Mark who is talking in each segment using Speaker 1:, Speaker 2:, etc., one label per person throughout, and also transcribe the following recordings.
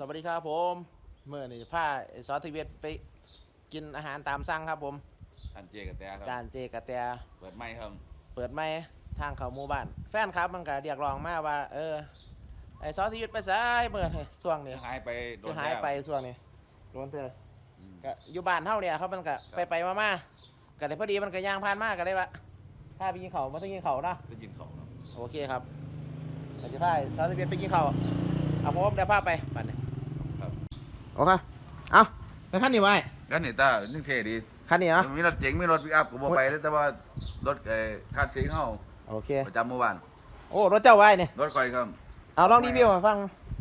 Speaker 1: วัสดีครับผมเมื่อนี่พาซอสทีเวทไปกินอาหารตามสั่งครับผม
Speaker 2: อันเจกับแต่ครับ
Speaker 1: จานเจกระแต
Speaker 2: เปิดไม่ครับ
Speaker 1: เปิดไม่ทางเขาหมู่บ้านแฟนครับมันก็เรียกร้องมาว่าไอซอสทีเวทไปซ้ายเมื่อนี่ช่วงนี้
Speaker 2: หายไปโด
Speaker 1: คื
Speaker 2: น
Speaker 1: อหายไปช่วงนี้โดนเธอก็อยู่บ้านเท่าเนี่ยเขามันก็ไปมาก็เลยพอดีมันก็ย่างผ่านมากก็ได้ว่าพาไปกินเขามาต้องกินเขาเนาะ
Speaker 2: ได้ยินเขาเนาะ
Speaker 1: โอเคครับเราจะพาซอสทีเวทไปกินเขาเอาผมเดี๋ยวพาไปบ้านนี้
Speaker 2: ครับ
Speaker 1: โอเคเอาไปขั้นนี้ไว้
Speaker 2: กันนี่ตานึ่งเท่ดี
Speaker 1: ขั้นนี้เนาะ
Speaker 2: มีรถเจ๋งมีรถปิกอัพกูบอกไปแล้วแต่ว่ารถคาดสีเข้า
Speaker 1: โอเค
Speaker 2: ประจำเมื่อวาน
Speaker 1: โอ้รถเจ้าไว้เนี่ย
Speaker 2: รถคอยครับ
Speaker 1: เอาลองรีวิวมาฟัง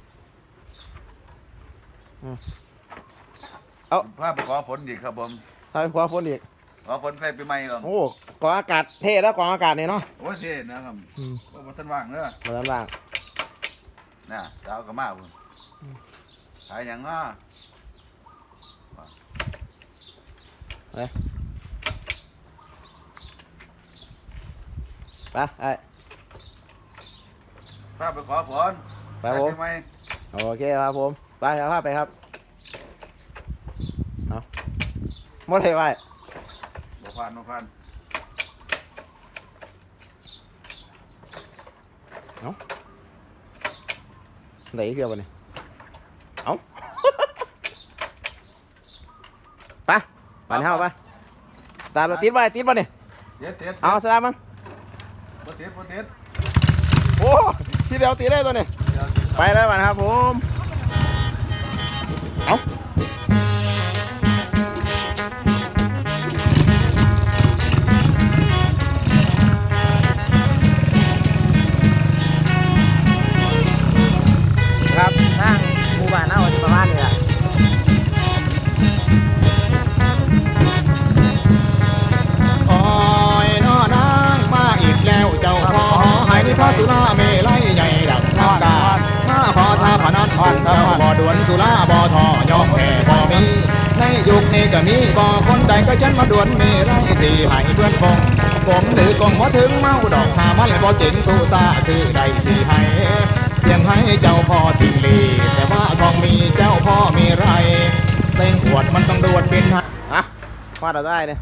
Speaker 1: เอา
Speaker 2: ภาพไปขอฝนอีกครับผม
Speaker 1: ทำเป็นขวาฝนอีก
Speaker 2: ขอฝนใส่ปีใหม่ครับ
Speaker 1: โอ้กองอากาศเท่แล้วกองอากาศเนี่ยเนาะ
Speaker 2: โอ้เท่นะครับว่าท่านว่างเนอะ
Speaker 1: มาด้านล่าง
Speaker 2: น่ะจะเอากระมาคุณขายอย่างอ่ะ
Speaker 1: ไปไอ้
Speaker 2: ภาพไปขอฝน
Speaker 1: ไปผมโอเคครับผมไปครับไปครับเอาหมดเลยไว้
Speaker 2: บ่ผ่าน
Speaker 1: เอาไหนเกี่ยวกันเนี่ยเอาไปปั่นเข้าไปตาเราติดไว้ติดป่ะเนี่ยเอาสตาร์มั้ง
Speaker 2: บ่ติด
Speaker 1: โอ้ทีเดียวตีได้ตัวนี้ไปแล้วนะครับผมเอาครับทางหมู่บ้านน่าจะประมาณนี้แหละ
Speaker 3: โอ้ยน้อนางมาอีกแล้วเจ้าพ่อหายพระสุราเมลัยใหญ่ดังทางการมาพอทาพนันพันเจ้าบ่อดวนสุราบ่อทอยอมแพ้บ่มีในยุคนี้ก็มีบ่คนใดก็ฉันมาดวนเมลัยสี่ให้เพื่อนฟงผมหรือกงว่าถึงเมาดอกหามันบ่เจ๋งสู้ซาคือใดสี่ให้เสียงให้เจ้าพ่อติงลีแต่ว่าทองมีเจ้าพ่อมีไรเส้นขวดมันต้องดวนเป็นฮะ
Speaker 1: ฟาดเราได้เนี่ย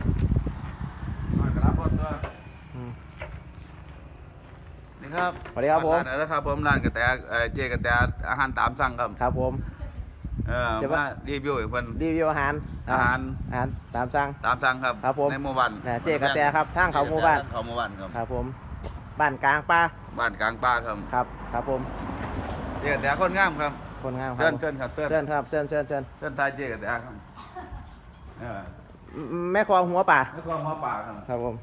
Speaker 2: นี่ครับ
Speaker 1: สวัสดีครับผม
Speaker 2: นะครับผมร้านกระแตเจกระแตอาหารตามสั่งครับ
Speaker 1: ครับผม
Speaker 2: จะมารีวิวอีกคน
Speaker 1: รีวิวอาหารตามสั่ง
Speaker 2: ครับ
Speaker 1: ครับผม
Speaker 2: ในหมู่บ้าน
Speaker 1: เจกระแตครับทางเขาหมู่บ้าน
Speaker 2: ครับ
Speaker 1: ครับผมบ้านกลางป่า
Speaker 2: ครับ
Speaker 1: ครับผม
Speaker 2: เจกระแตคนงามครับ
Speaker 1: คนงาม
Speaker 2: เชิญครับ
Speaker 1: เชิญ
Speaker 2: ทายเจกระแตครับ
Speaker 1: แม่คอหัวป่า
Speaker 2: ครับ
Speaker 1: ผม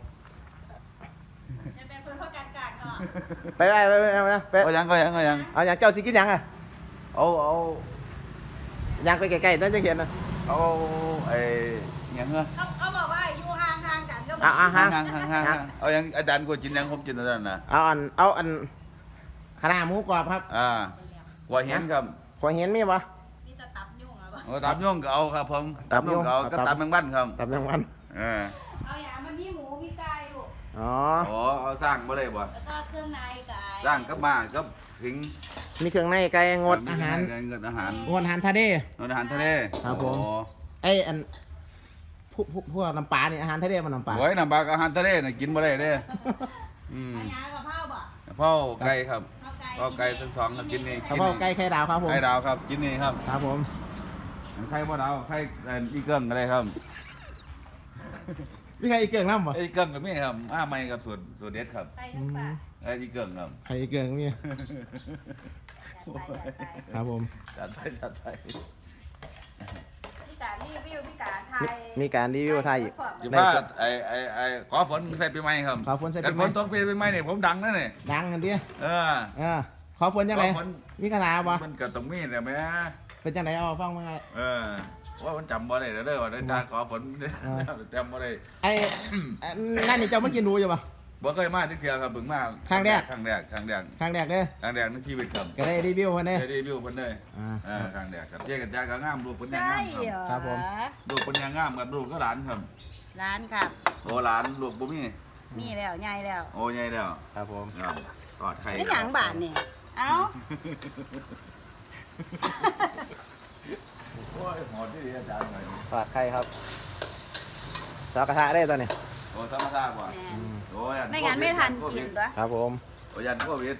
Speaker 1: ไป
Speaker 2: เอายัง
Speaker 1: เอาอย่างเจ้าสิกินยังอ่ะ
Speaker 2: เอา
Speaker 1: ยังไปไกลๆนั่นจะเห็นนะ
Speaker 2: เอาไอ้ยังเหรอ
Speaker 4: เขาบอกว่าอยู่ห่างกันก็
Speaker 1: ห่าง
Speaker 2: เอายังอาจารย์กูกินยังผมกินแล้วนะ
Speaker 1: เอาอันขนาดหมูกรอบครับ
Speaker 2: หัวเห็นครับ
Speaker 1: หัวเห็นมีปะ
Speaker 4: มีจะตับยุ่งเหรอ
Speaker 2: ตับยุ่งก็เอาครับผมตับยุ่งก็เอาก็ตับแมงวันครับ
Speaker 1: ตับแมงวัน
Speaker 4: เอาอย่างมันมีหมูมีไก่ลูก
Speaker 1: อ๋อ
Speaker 2: เอาสร้างบ่ได้บ่
Speaker 4: แล้วก็เครื่องในไก่
Speaker 2: สร้างกับมากับสิง
Speaker 1: มีเครื่องในไก่งดอาหาร
Speaker 2: งดอาหาร
Speaker 1: ทะเล
Speaker 2: ครับผม
Speaker 1: ไอ้อันพวกน้ำปลาเนี่ยอาหารทะเลมันน้ำปลา
Speaker 2: โอ้ยน้ำปลาอาหารทะเลน่ะกินบ่ได้เด้
Speaker 4: อาหารกับข้าวบ่
Speaker 2: ข้าวไก่ครับข้าวไก่ทั้งสองครับกินนี่
Speaker 1: ข้าวไก่ไข่ดาวครับผม
Speaker 2: ไข่ดาวครับกินนี่ครับ
Speaker 1: ครับผม
Speaker 2: ไข่บ่ดาวไข่อีเกิ้งก็ได้ครับ
Speaker 1: มีใครอีเกิ้งน้ำบ่
Speaker 2: อีเกิ้งก็มีครับใหม่กับสูตรเด็ดครับ
Speaker 4: ไข่ทั้งปลา
Speaker 2: อีเกิ้งครับ
Speaker 1: ไข่อีเกิ้งมีครับผม
Speaker 2: จัดไป
Speaker 4: พี่ตารีวิวพี่ตาไทย
Speaker 1: มีการรีวิวไทยอีก
Speaker 2: จะว่าขอฝนใส่ปีใหม่ครับ
Speaker 1: ขอฝนใส่ปีใหม่
Speaker 2: ฝนตกปีใหม่เนี่ยผมดังนะเนี่ย
Speaker 1: ดังกันดิขอฝนยังไงมีขนาดบ่
Speaker 2: มันเกิดตรงมีดเนี่ยไหม
Speaker 1: เป็นจังไหนเอาฟังมั้งไง
Speaker 2: ว่ามันจำบ่ได้เด้อว่าได้ขอฝนจำบ่ได้
Speaker 1: ไอ้นั่นนี่เจ้าเมื่อกี้รู้อยู่ปะ
Speaker 2: บ่เคยมาที่เที่ยวครับบึงมา
Speaker 1: ครั้งแรก
Speaker 2: เด้อครั้งแรกในชีวิตครับ
Speaker 1: ก็ได้รีวิวคนนี้
Speaker 2: ได้รีวิวคนเลยครั้งแรกครับเจ๊กับจ้าก็งามลูกคนยังงาม
Speaker 1: ครับผม
Speaker 2: ลูกคนยังงามกับลูกก็หลานครับ
Speaker 4: ร้านครับ
Speaker 2: โอ้หลานลูกบุ้
Speaker 4: มีแล้วใหญ่แล้ว
Speaker 2: โอ้ใหญ่แล้ว
Speaker 1: ครับผม
Speaker 2: กอดไข่
Speaker 4: ไม่หยังบาทนี่เอ้า
Speaker 2: หมดที่อาจารย์หน่อย
Speaker 1: ทอดไข่ครับซอกระทะได้ตอนนี้
Speaker 2: โอ้ธรรมชาติว่ะ
Speaker 4: แม่
Speaker 2: โอ้ย
Speaker 4: ไม่งั้นไม่ทันกินด้วย
Speaker 1: ครับผม
Speaker 2: โอ้ยันโควิด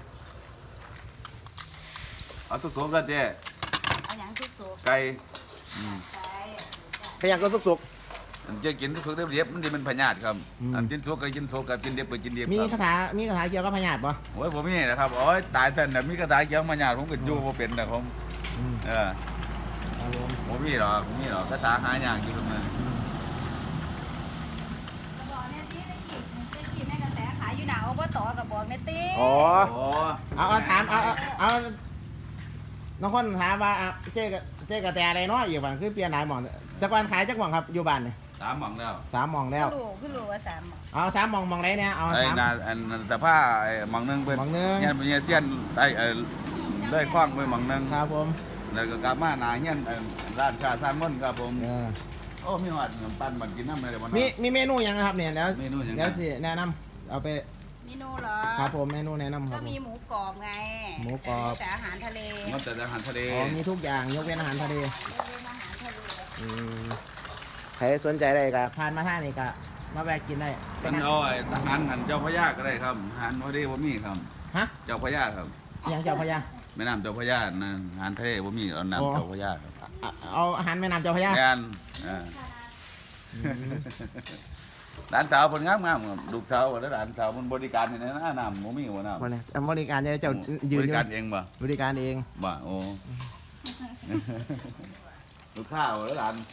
Speaker 2: เอาทุกๆกันเจ๊
Speaker 4: เอาอย่างสุก
Speaker 2: ไก่
Speaker 4: ๆใช่
Speaker 1: เป็นอย่างก็สุก
Speaker 2: อันเจ๊กินทุกๆเรียบมันจะเป็นพญาติครับอันกินสุกก็กินสุกกับกินเรียบก็กินเรียบ
Speaker 1: มี
Speaker 2: ครับ
Speaker 1: คาถาเกี่ยวกับพญาธิป่ะ
Speaker 2: โอ้ยผมมีนะครับโอ้ยตายแต่เนี่ยมีกระต่ายเกี่ยวมาหยาดผมก็อยู่บ่เป็นนะผมเออ
Speaker 1: ครับผม
Speaker 2: ผมมีหรอกกระต่ายหายากอยู่ตรงนั้น
Speaker 4: กระบอกเนี่ยที่ได้กินแม่กระแสขายอยู่หนาวอบตกระบอกเนี่ยตี
Speaker 1: อ๋อ
Speaker 2: โอ้
Speaker 1: เอาถามเอาน้องคนถามว่าเจ๊กระแตอะไรเนาะอยู่บ้านคือเปลี่ยนหลายหม่องแต่ก่อนขายจักหม่องครับอยู่บ้านนี่
Speaker 2: 3หม่องแล้ว
Speaker 1: 3 หม่องแล้ว
Speaker 4: ขึ้นรู้ว่า3หมอ
Speaker 1: เอา3 หม่องหม่องไหนเนี่ยเอา
Speaker 2: ไอ้
Speaker 1: 3
Speaker 2: นาอันแต่ผ้าไอ้หม่องหนึงเป็น
Speaker 1: หม่องหนึ่ง
Speaker 2: เฮียนเป็นเฮียเสี้ยนได้ได้คล้องไปหม่องหนึง
Speaker 1: ครับผม
Speaker 2: แล้วก็กลับมาหน้าเฮียนร้านชาซานม่นครับผม
Speaker 1: เออ
Speaker 2: โอ้มีหอดขนมปังบันกินน้ำเลยวัน
Speaker 1: มีเมนูหยังนะครับเนี่ยแล้ว
Speaker 2: เมนูหยัง
Speaker 1: แล้วสิแนะนำเอาไป
Speaker 4: เมนูเหรอ
Speaker 1: ครับผมเมนูแนะนำค
Speaker 4: ก็
Speaker 1: รับผม
Speaker 4: มีหมูกรอบไง
Speaker 1: หมูกรอบ
Speaker 4: แต่อาหารทะเล
Speaker 2: มันแต่อาหารทะเล
Speaker 1: อ๋อมีทุกอย่างยกเว้นอาหารทะเล
Speaker 4: เป็นอาหารทะเล
Speaker 1: อืมใครสนใจอะไรก็ผ่านมาท่านี่ก็มาแวะกินได้
Speaker 2: เป็นเอาไอ้ทหารหันเจ้าพระยาก็ได้ครับหันพอดีบ่มีครับ
Speaker 1: ฮะ
Speaker 2: เจ้าพระยาครับ
Speaker 1: อหย่างเจ้าพระยา
Speaker 2: แม่น้ำเจ้าพระยานะหันทะเลบ่มีเอาน้ำเจ้าพระยาครับ
Speaker 1: เอาอาหารแม่น้ำเจ้าพระยา
Speaker 2: งานร้านสาวคนงามครับลูกสาวแล้วร้านสาวมันบริการนี่นะน้ำบ่มีหัวน้ำ
Speaker 1: วันนี้บริการจะเจ้ายื
Speaker 2: บ
Speaker 1: น
Speaker 2: ริการเองบ่
Speaker 1: บริการเอง
Speaker 2: บ่โอ้ ลูกข้าวแล้วหลาน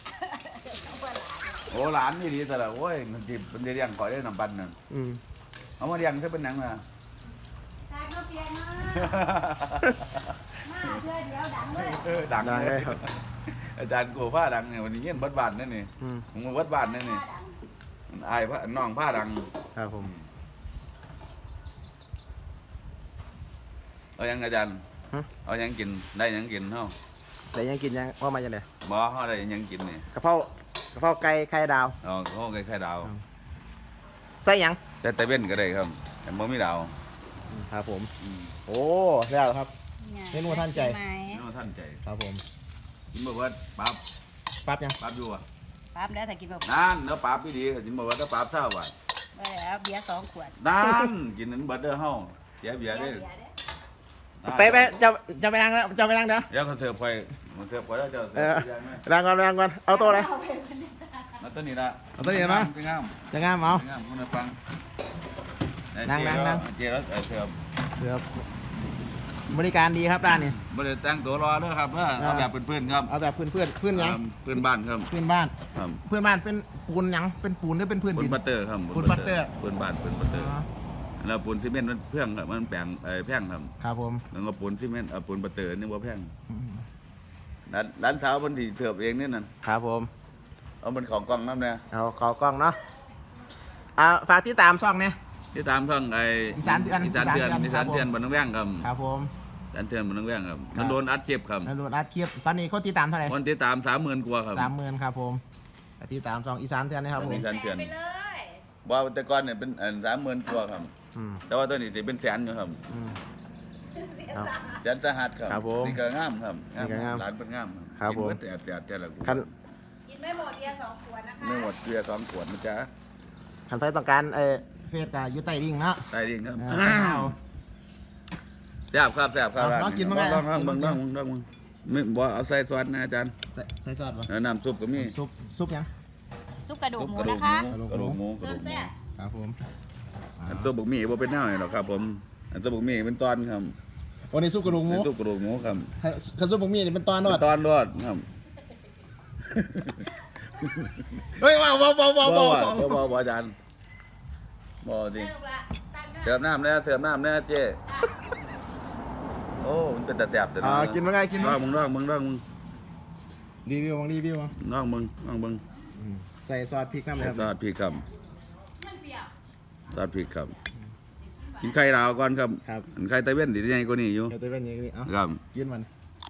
Speaker 2: โอ้หลานนี่ดีแต่ละโอ้ยมันจิบมันจะเลี้ยงข่อยได้น้ำปันน่ะ
Speaker 1: อืม
Speaker 2: เอามาเลี้ยงถ้าเป็นหนังน่ะ
Speaker 4: ใช่ก็เปลี่ยนมาเพื่อเดี๋ยวดังเลย
Speaker 2: ดังเลยอาจารย์กูผ้าดังเนี่ยวันนี้เงี้ยบัดบานนั่นนี่
Speaker 1: อืม
Speaker 2: ผมวัดบานนั่นนี่อายพระน้องผ้าดัง
Speaker 1: ครับผม
Speaker 2: เอายังอาจารย์เอายังกินได้ยังกินเฮา
Speaker 1: แต่ยังกินยังว่ามาจะไหน
Speaker 2: บ่เฮาได้ยังกินนี่
Speaker 1: กะเพราไก่ไข่ดาว
Speaker 2: อ๋อเขาไข่ดาว
Speaker 1: ใส่หยัง
Speaker 2: แต่เว้นก็ได้ครับแต่บ่มีดาว
Speaker 1: ครับผมโอ้แล้วครับ เมนูท่านใจ
Speaker 4: ไหม
Speaker 2: น้องท่านใจ
Speaker 1: ครับผม
Speaker 2: กินบ่เบิดปั๊บ
Speaker 1: ปั๊บยัง
Speaker 2: ปั๊บอยู่อ่ะ
Speaker 4: ปั๊บแล้วถ้ากินแบบ
Speaker 2: นั่นเนื้อปั๊บพี่ดีกินบ่เบิดถ้าปั๊บเท่าบาท
Speaker 4: ไปแล้วเบียร์2 ขวด
Speaker 2: นั่นกินนั้นเบิดเด้อเฮาเสียเบียร์เด้อ
Speaker 1: ไปจะไปนั่งแล้วจะไปนั่งเดี๋ยว
Speaker 2: เดี๋ยวเขาเสิร์ฟไปมันเสิร์ฟไปแล้วจะเสิ
Speaker 1: เอ
Speaker 2: ร์
Speaker 1: อ
Speaker 2: ฟเบียร์ไหม
Speaker 1: นั่งก่อนเอาโต๊ะเลย
Speaker 2: มาตัวนี้ละ
Speaker 1: เอาตัวนี้มา
Speaker 2: เป็นงาม
Speaker 1: จะงามเอา
Speaker 2: เป็นงามคุณฟัง
Speaker 1: นั่ง
Speaker 2: เจแล้วเสิร์ฟ
Speaker 1: เดี๋ยวบริการดีครับร้านนี้
Speaker 2: บ่ได้แต่งตัวรอเด้อครับเอาแบบเพื่อนๆครับ
Speaker 1: เอาแบบเพื่อนหยัง
Speaker 2: เพื่อนบ้านครับ
Speaker 1: เพื่อนบ้าน
Speaker 2: ครับ
Speaker 1: เพื่อนบ้านเป็นปูนหยังเป็นปูนหรือเป็นพื้น
Speaker 2: ปู
Speaker 1: ดิ
Speaker 2: น
Speaker 1: น
Speaker 2: บัตเตอร์ครับ
Speaker 1: ปูนบัตเตอร์
Speaker 2: ปูนบ้านปูนบัตเตอร์
Speaker 1: อ๋อ
Speaker 2: แล้วปูนซีเมนต์มันเพื่องครับมันแปลงแพงครับ
Speaker 1: ครับผม
Speaker 2: แล้วก็ปูนซีเมนต์ปูนบัตเตอร์นี่บ่แพงร้านสาวเพิ่นสิเสิร์ฟเองนี่นั่น
Speaker 1: ครับผม
Speaker 2: เอามันของกล่องน้ำเนี่ย
Speaker 1: เอาขอกล้องเนาะฝากที่ตามซ่องเนี่ย
Speaker 2: ที่ตามช่องไอ้
Speaker 1: อีสานเถื่อน
Speaker 2: อีสานเถื่อน
Speaker 1: อี
Speaker 2: อี
Speaker 1: สา
Speaker 2: สาน น
Speaker 1: เถื่
Speaker 2: เถื่
Speaker 1: อ
Speaker 2: อน นบ้านน้องแว่งครับ
Speaker 1: ครับผม
Speaker 2: อีสานเถื่อนบ้านน้องแว่งครับ
Speaker 1: ครับ
Speaker 2: มันโดนอัดเจ็บครับ
Speaker 1: แล้วโหลดอัดคลิปตอนนี้เขาที่ตามเท่าไหร่
Speaker 2: คนที่ตาม30,000กว่าครับ
Speaker 1: 30,000ครับผมที่ตามซ่องอีสานเถื่อนนะครับผม
Speaker 2: อีสานเถื่อน
Speaker 4: ไปเลย
Speaker 2: ว่าแต่ก่อนเนี่ยเป็น30,000กว่าครับ
Speaker 1: อืม
Speaker 2: แต่ว่าตอนนี้สิเป็นแสนอยู่ครับ
Speaker 1: อืมครับ
Speaker 2: แสนสหัสครับ
Speaker 1: ครับผม
Speaker 2: นี่ก็งามครับ
Speaker 1: นี่ก็งาม
Speaker 2: หลานเป็นงาม
Speaker 1: ครับผม
Speaker 2: กินเบิดแต่ละกู
Speaker 1: คัน
Speaker 4: กินไม่หมดเบียร์2 ขวดนะคะ
Speaker 2: ไม่หมดเกลือ2ขวดนะจ๊ะ
Speaker 1: คันไฟต้องการเฟสกับยูไตลิงเนาะ
Speaker 2: ได้ดีครับ
Speaker 1: เอา
Speaker 2: แซ่บครับแซ่บครับ
Speaker 1: ลองกินบ้างไหม
Speaker 2: ลองมึงไม่บ่เอาใส่ซอสนะอาจารย์
Speaker 1: ใส่ซอสป่ะ
Speaker 2: แล้วน้ำซุปก็มี
Speaker 1: ซุปยัง
Speaker 4: ซุปกระดูก
Speaker 2: ซุป
Speaker 4: หมู
Speaker 2: กระดูก
Speaker 4: นะคะ
Speaker 2: กระดูกหมูกระ
Speaker 4: เส้
Speaker 2: ดู
Speaker 4: น
Speaker 2: กหมู
Speaker 4: แซ่บ
Speaker 1: ครับผม
Speaker 2: อันซุปบกหมี่บ่เป็นเน่าหรอกครับผมอันซุปบกหมี่เป็นตอนครับ
Speaker 1: วันนี้ซุปกระดูกหมู
Speaker 2: อันซุปกระดูกหมูครับ
Speaker 1: กระซุปบะหมี่นี่เป็นตอนนว
Speaker 2: เป็
Speaker 1: ด
Speaker 2: นตอนรอดครับ
Speaker 1: เฮ้ยว้าว
Speaker 2: บ่อาจารย์บ่จริง
Speaker 4: ลูกละตั้ง
Speaker 2: เสิร์ฟน้ำนะเสิร์ฟน้ำนะเจ๊โอ้มันเป็นตาแซ่บแต่
Speaker 1: กินมาไงกิน
Speaker 2: น้
Speaker 1: มา
Speaker 2: องมึง
Speaker 1: รีวิวมั้ง
Speaker 2: น้องมึง
Speaker 1: ใส่ซอสพริกน้ำเลย
Speaker 2: ซอสพริกครับ
Speaker 4: มันเปรี้ยว
Speaker 2: ซอสพริกครับกินไข่ดาวก่อนครับ
Speaker 1: ครับ
Speaker 2: อันไข่ตะเว้นดีใหญ่กว่านี้อยู่
Speaker 1: เดี๋ยวจะเป็นอย่างนี้เอ้า
Speaker 2: ครับ
Speaker 1: กินมัน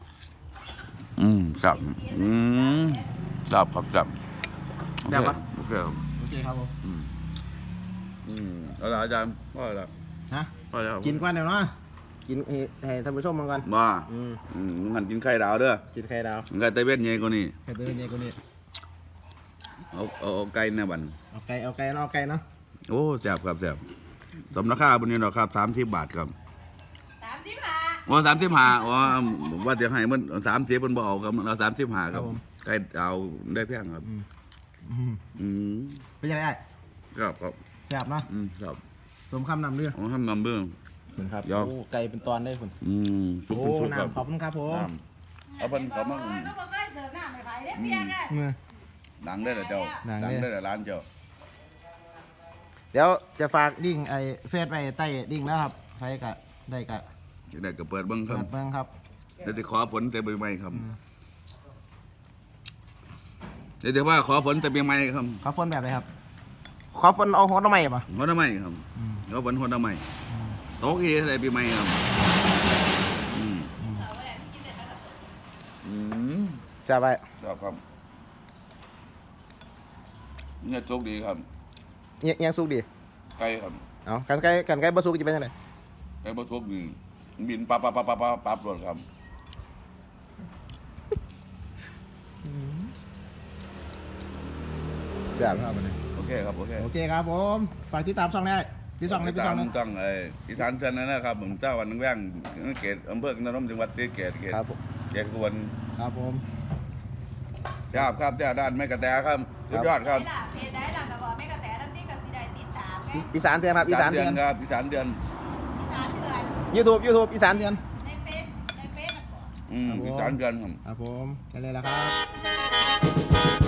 Speaker 2: ครับครับครับ
Speaker 1: แซ่บปะ
Speaker 2: โอเคครับ
Speaker 1: โอเคครับผม
Speaker 2: เอาละอาจารย์พ่อแล้ว
Speaker 1: ฮะ
Speaker 2: พ่อแล้ว
Speaker 1: กินก่อนเดี๋ยวเนาะกินให้ท่านผู้ชมมันก่อน
Speaker 2: บ่
Speaker 1: อืม
Speaker 2: มึงหันกินไข่ดาวเด้อ
Speaker 1: กินไข่ดาว
Speaker 2: มึงไข่ไตเวทใหญ่กว่านี้
Speaker 1: ไข่เดือนเนี่ยกูนี่
Speaker 2: เอาไก่ในบัน
Speaker 1: เอาไก่เอาไก่เนาะ
Speaker 2: โอ้แซ่บครับแซ่บสมราคาบนนี้ดอกครับ30 บาทครับ
Speaker 4: 35
Speaker 2: โอ้35อ๋อว่าจะให้มัน30มันบ่เอาครับเอา35ครับไก่ดาวได้แพงครับ อืม
Speaker 1: เป็นยังไง
Speaker 2: ครับครับ
Speaker 1: แซ่บเนาะ
Speaker 2: ครับ
Speaker 1: สมคำนำเรื่อง
Speaker 2: ผมทำนำเบื้อง
Speaker 1: คุณครับ
Speaker 2: ยอม
Speaker 1: โอ้ไก่เป็นตอนได้คุณ
Speaker 2: สุก
Speaker 1: โอ้
Speaker 2: สุกครับ
Speaker 1: น้ำขอบคุณครับผม
Speaker 2: น้ำเอาเพิ่นเขามา
Speaker 4: ก็บ่เคยเสิร์ฟน้ำให้ไผเด้เพียงเด้อ
Speaker 1: เมื่อ
Speaker 2: ดังได้เหรอเจ้า
Speaker 1: ดัง
Speaker 2: ดัง
Speaker 1: เด้
Speaker 2: ได้เหรอร้านเจ้า
Speaker 1: เดี๋ยวจะฝากดิ่งไอ้เฟซไปใต้ดิ่งแล้วครับใครกะได้กะ
Speaker 2: จะได้ก็เปิดเบิ้งค
Speaker 1: เปิ
Speaker 2: รับ
Speaker 1: ดเบิ่งครับ
Speaker 2: เดี๋ยวจะขอฝนแต่ใบไม้ครับเดี๋ยวจะว่าขอฝนแต่ใบไม้ครับ
Speaker 1: ขอฝนแบบไหนครับขอฝนเอาหัวทำไมป่ะ
Speaker 2: หัวทำไมครับขอฝนหัวทำไมโต๊ะกี่ใส่ใบไม้ครับอืม
Speaker 1: แซ่บไป
Speaker 2: ครับเนี่ยโชคดีครับ
Speaker 1: ยังสุกดี
Speaker 2: ไก่ครับ
Speaker 1: เอากันไก่บ่สุกจะเป็นยังไง
Speaker 2: ไก่บ่โชคดีบินปั๊บรถครับ
Speaker 1: แซ่บครับวันนี้
Speaker 2: โอเคครับโอเค
Speaker 1: โอเคครับผมฝากติดตามช่องได้พี่ช่องเลยพี่ช่อง
Speaker 2: ตา
Speaker 1: นะ
Speaker 2: มต้องอีสานเชิญนะครับผมเจ้าวันนึงแว่งเกตอำเภอนนทจังหวัดศรีสะเกษ
Speaker 1: ครับผม
Speaker 2: เกตกวน
Speaker 1: ครับผม
Speaker 2: ครับเจ้าด้านแม่กระแตครับสุดยอดครับ
Speaker 4: เพจได้ล่ะก็บอกแม่กระแตน้ำติ้งก็สิได้ติดตามไง
Speaker 1: อีสานเตือนครับอีสานเตือน
Speaker 2: ครับอีสานเดือน
Speaker 4: 3 เดือน
Speaker 1: YouTube อีสานเตือน
Speaker 4: ในเฟซน่ะบ่
Speaker 2: อีสานเดือนครับ
Speaker 1: ครับผมแค่นี้แหละครับ